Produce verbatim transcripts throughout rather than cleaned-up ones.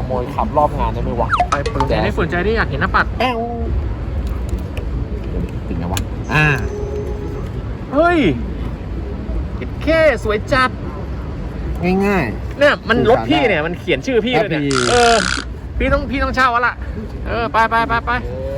โมยขับรอบงานได้ไหมวะไปเปิดแจ๊ไม่สนใจได้อยากเห็นหน้าปัดแอวติดไงวะอ่าเฮ้ยแค่สวยจัดง่ายๆเนี่ยมันรถพี่เนี่ยมันเขียนชื่อพี่เลยเนี่ยเออพี่ต้องพี่ต้องเช่าวะล่ะเออไปไปไปไป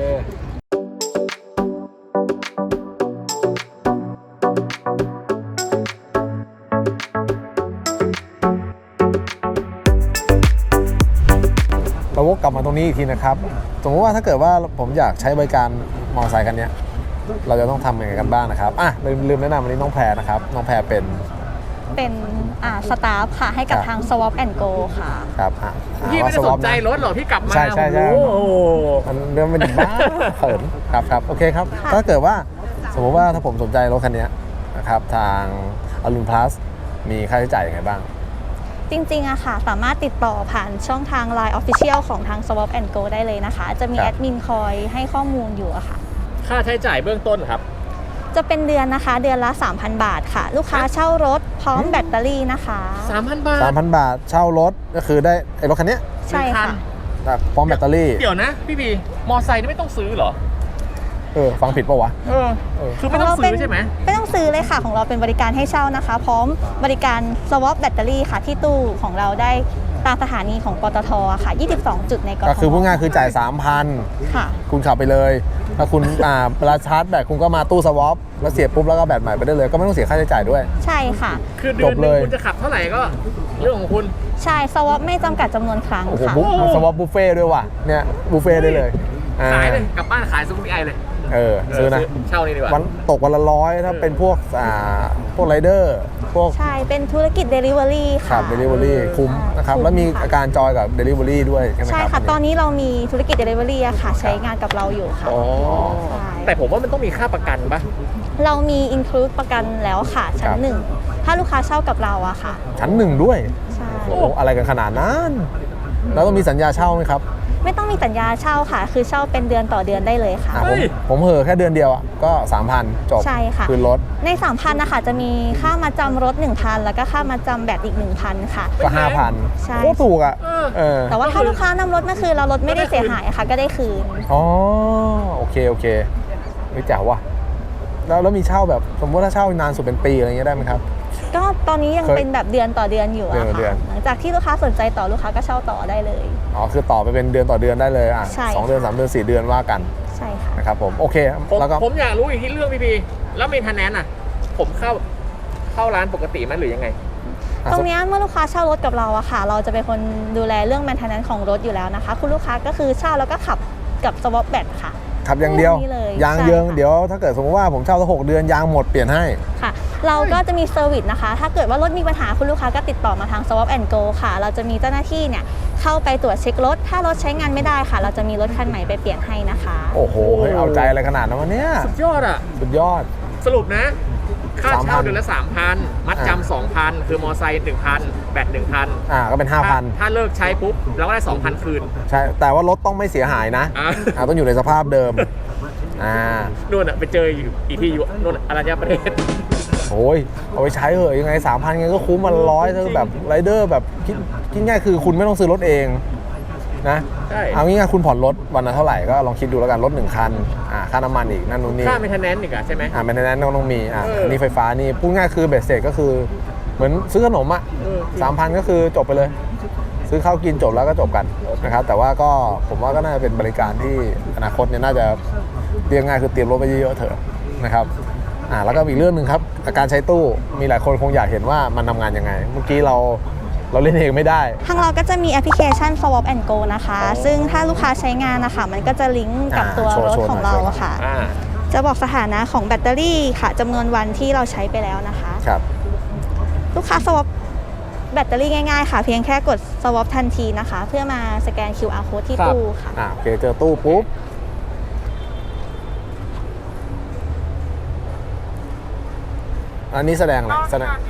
เราวกกลับมาตรงนี้อีกทีนะครับสมมติว่าถ้าเกิดว่าผมอยากใช้บริการมอเตอร์ไซค์คันนี้เราจะต้องทำยังไงกันบ้างนะครับอ่ะลืมลืมแนะนำวันนี้น้องแพรนะครับน้องแพรเป็นเป็นอ่าสตาฟค่ะให้กับทาง Swap and Go ค่ะครับอ่ะพี่ไม่ได้สนใจรถหรอพี่กลับมาใช่ใช่ใช่มันเรื่องมันบ้าเขินครับครับโอเคครับถ้าเกิดว่าสมมติว่าถ้าผมสนใจรถคันนี้นะครับทางอรุณพลัสมีค่าใช้จ่ายยังไงบ้างจริงๆอะค่ะสามารถติดต่อผ่านช่องทาง ไลน์ Official ของทาง Swap and Go ได้เลยนะคะจะมีแอดมินคอยให้ข้อมูลอยู่อะค่ะค่าใช้จ่ายเบื้องต้นครับจะเป็นเดือนนะคะเดือนละ สามพัน บาทค่ะลูกค้าเช่ารถพร้อมแบตเตอรี่นะคะสามพัน บาทสามพัน บาทเช่ารถก็คือได้ไอ้รถคันนี้ใช่ค่ะพร้อมแบตเตอรี่เดี๋ยวนะพี่บีมอไซค์นี่ไม่ต้องซื้อเหรอเออฟังผิดป่าววะเออคือไม่ต้องซื้อใช่ไหมไม่ต้องซื้อเลยค่ะของเราเป็นบริการให้เช่านะคะพร้อมบริการ swap แบตเตอรี่ค่ะที่ตู้ของเราได้ตามสถานีของปตท.ค่ะยี่สิบสองจุดในกทมก็คือพูดง่ายคือจ่าย สามพันค่ะคุณขับไปเลยถ้าคุณอ่าเวลาชาร์จแบตคุณก็มาตู้สวอปแล้วเสียบปุ๊บแล้วก็แบตใหม่ไปได้เลยก็ไม่ต้องเสียค่าใช้จ่ายด้วยใช่ค่ะคือเดือนนึงคุณจะขับเท่าไหร่ก็เรื่องของคุณใช่ swap ไม่จำกัดจำนวนครั้งค่ะโอ้โหสวอปบุฟเฟ่ด้วยว่ะเนี่ยบุฟเฟ่ได้เลยขายเลยกลับบ้านขายซูเปอร์ไอเลยเออซื้อนะเช่านี่ดีกว่าวันตกวันละร้อยถ้าเป็นพวกอ่าพวกไรเดอร์พวกใช่เป็นธุรกิจ Delivery ค่ะครับ Delivery คุ้มนะครับแล้วมีอาการจอยกับ Delivery ด้วยใช่ไหมครับใช่ค่ะตอนนี้เรามีธุรกิจ Delivery อะค่ะใช้งานกับเราอยู่ค่ะอ๋อแต่ผมว่ามันต้องมีค่าประกันปะเรามี include ประกันแล้วค่ะชั้นหนึ่งถ้าลูกค้าเช่ากับเราอะค่ะชั้นหนึ่งด้วยใช่โอ้อะไรกันขนาดนั้นแล้วต้องมีสัญญาเช่าไหมครับไม่ต้องมีสัญญาเช่าค่ะคือเช่าเป็นเดือนต่อเดือนได้เลยค่ะผมผมเหอะแค่เดือนเดียวก็ สามพัน จบใช่ค่ะคืนรถใน สามพัน นะคะจะมีค่ามาจำรถ หนึ่งพัน แล้วก็ค่ามาจำแบตอีก หนึ่งพัน ค่ะก็ ห้าพันใช่โคตรถูกอ่ะแต่ว่าถ้าลูกค้านำรถมาคืนเรารถไม่ได้เสียหายค่ะก็ได้คืนอ๋อโอเคโอเคไม่แจ๋วว่ะแล้วแล้วมีเช่าแบบสมมติถ้าเช่านานสุดเป็นปีอะไรเงี้ยได้ไหมครับก็ตอนนี้ยังเป็นแบบเดือนต่อเดือนอยู่อะค่ะหลังจากที่ลูกค้าสนใจต่อลูกค้าก็เช่าต่อได้เลยอ๋อคือต่อไปเป็นเดือนต่อเดือนได้เลยอ่ะสองเดือนสามเดือนสี่เดือนว่ากันใช่ค่ะนะครับผมโอเคแล้วก็ผมอยากรู้อีกที่เรื่องพี่พีแล้วเมนเทนแนนซ์อ่ะผมเข้าเข้าร้านปกติไหมหรือยังไงตรงนี้เมื่อลูกค้าเช่ารถกับเราอะค่ะเราจะเป็นคนดูแลเรื่องเมนเทนแนนซ์ของรถอยู่แล้วนะคะคุณลูกค้าก็คือเช่าแล้วก็ขับกับสวอปแบตค่ะขับอย่างเดียวยางเยิงเดี๋ยวถ้าเกิดสมมติว่าผมเช่าสักหกเดือนยางหมดเปลี่ยนให้ค่ะเราก็จะมีเซอร์วิสนะคะถ้าเกิดว่ารถมีปัญหาคุณลูกค้าก็ติดต่อมาทาง Swap and Go ค่ะเราจะมีเจ้าหน้าที่เนี่ยเข้าไปตรวจเช็ครถถ้ารถใช้งานไม่ได้ค่ะเราจะมีรถคันใหม่ไปเปลี่ยนให้นะคะโอ้โหเอาใจอะไรขนาดนั้นวะเนี่ยสุดยอดอ่ะสุดยอดสรุปนะค่าเช่าเดือนละ สามพัน มัดจำ สองพัน คือมอไซค์ หนึ่งพัน แบต หนึ่งพันอ่าก็เป็น ห้าพันถ้าเลิกใช้ปุ๊บเราก็ได้ สองพัน คืนใช่แต่ว่ารถต้องไม่เสียหายนะอ่าต้องอยู่ในสภาพเดิมอ่านู่นอ่ะไปเจออีกที่อยู่นู่นอรัญญประเทศโอ้ยเอาไปใช้เหอะยังไง สามพัน ไงก็คุ้มมันร้อยถ้าแบบไรเดอร์แบบคิดคิดง่ายคือคุณไม่ต้องซื้อรถเองนะเอาง่ายๆคุณผ่อนรถวันละเท่าไหร่ก็ลองคิดดูแล้วกันรถหนึ่งคันอ่าค่าน้ำมันอีกนั่นนู่นนี่ค่าเมนเทนแนนซ์อีกอ่ะใช่ไหมอ่าเมนเทนแนนซ์ต้องมีอ่านี่ไฟฟ้านี่พูดง่ายคือเบสเสร็จก็คือเหมือนซื้อขนมอ่ะสามพันก็คือจบไปเลยซื้อข้าวกินจบแล้วก็จบกันนะครับแต่ว่าก็ผมว่าก็น่าจะเป็นบริการที่อนาคตเนี่ยน่าจะเรียกง่ายคือเตรียมรถไปเยอะๆเถอะนะครับอ่าแล้วก็อีกเรื่องหนึ่งครับการใช้ตู้มีหลายคนคงอยากเห็นว่ามันทำงานยังไงเมื่อกี้เราเราเล่นเองไม่ได้ทางเราก็จะมีแอปพลิเคชัน Swap and Go นะคะซึ่งถ้าลูกค้าใช้งานนะคะมันก็จะลิงก์กับตัวรถของเราค่ะจะบอกสถานะของแบตเตอรี่ค่ะจำนวนวันที่เราใช้ไปแล้วนะคะครับลูกค้า Swap แบตเตอรี่ง่ายๆค่ะเพียงแค่กด Swap ทันทีนะคะเพื่อมาสแกน คิว อาร์ Code ที่ตู้ค่ะอ่าโอเคเจอตู้ปุ๊บอันนี้แสดงอะไรแสดง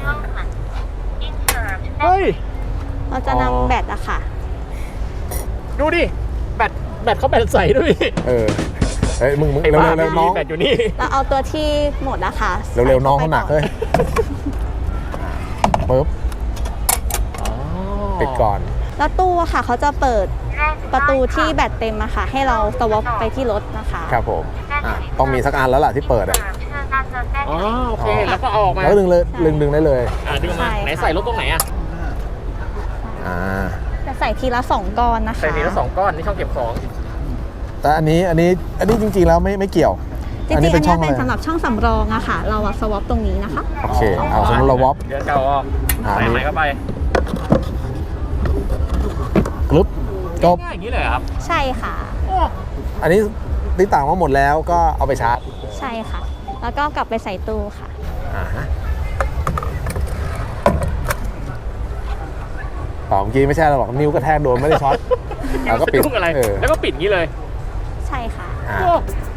เฮ้ยเราจะนำแบตอะค่ะดูดิแบตแบตเขาแบตใส่ด้วยเออเฮ้ยมึงมึงเร็วเร็วน้องแบตอยู่นี่เราเอาตัวที่หมดนะคะเร็วๆน้องเขาหนักเลยปึ๊บปิดก่อนแล้วตู้อะค่ะเขาจะเปิดประตูที่แบตเต็มอะค่ะให้เราสวอปไปที่รถนะคะครับผมอ่ะต้องมีสักอันแล้วล่ะที่เปิดอ่ะอ๋อโอเคแล้วก็เอาออกมาแล้วก็ดึงเลยดึงดึงได้เลยอ่าดึงมาไหนใส่รถตรงไหนอ่ะอ่าจะใส่ทีละสองก้อนนะคะใส่ทีละสองก้อนนี่ช่องเก็บของแต่อันนี้อันนี้อันนี้จริงๆแล้วไม่ไม่เกี่ยวจริงๆอันนี้เป็นอะเป็นไรสำหรับช่องสำรองอะค่ะ เราอะสวอปตรงนี้นะคะโอเคเอาสมมติเราวอปเดี๋ยวเก่าออกอ่าใส่ใหม่เข้าไปกรุ๊ปจบง่ายๆอย่างนี้เลยเหรอครับใช่ค่ะโอ้อันนี้ติดต่างว่าหมดแล้วก็เอาไปชาร์จใช่ค่ะ แล้วก็กลับไปใส่ตู้ค่ะอ่าฮะต่อเมื่อกี้ไม่ใช่หรอกนิ้วกระแทกโดนไม่ได้ช็อตแล้วก็ปิดลูกอะไรเออแล้วก็ปิดอย่างนี้เลยใช่ค่ะอ่าโอ้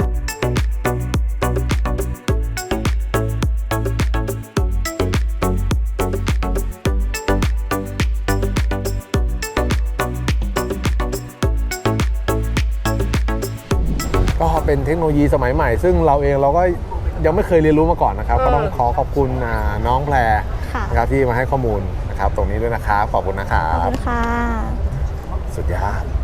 ก็เป็นเทคโนโลยีสมัยใหม่ ซึ่งเราเองเราก็ยังไม่เคยเรียนรู้มาก่อนนะครับ ก็ต้องขอขอบคุณอ่าน้องแพรค่ะนะครับที่มาให้ข้อมูลนะครับ ตรงนี้ด้วยนะครับ ขอบคุณนะครัขอบบ คุณค่ะสุดยอด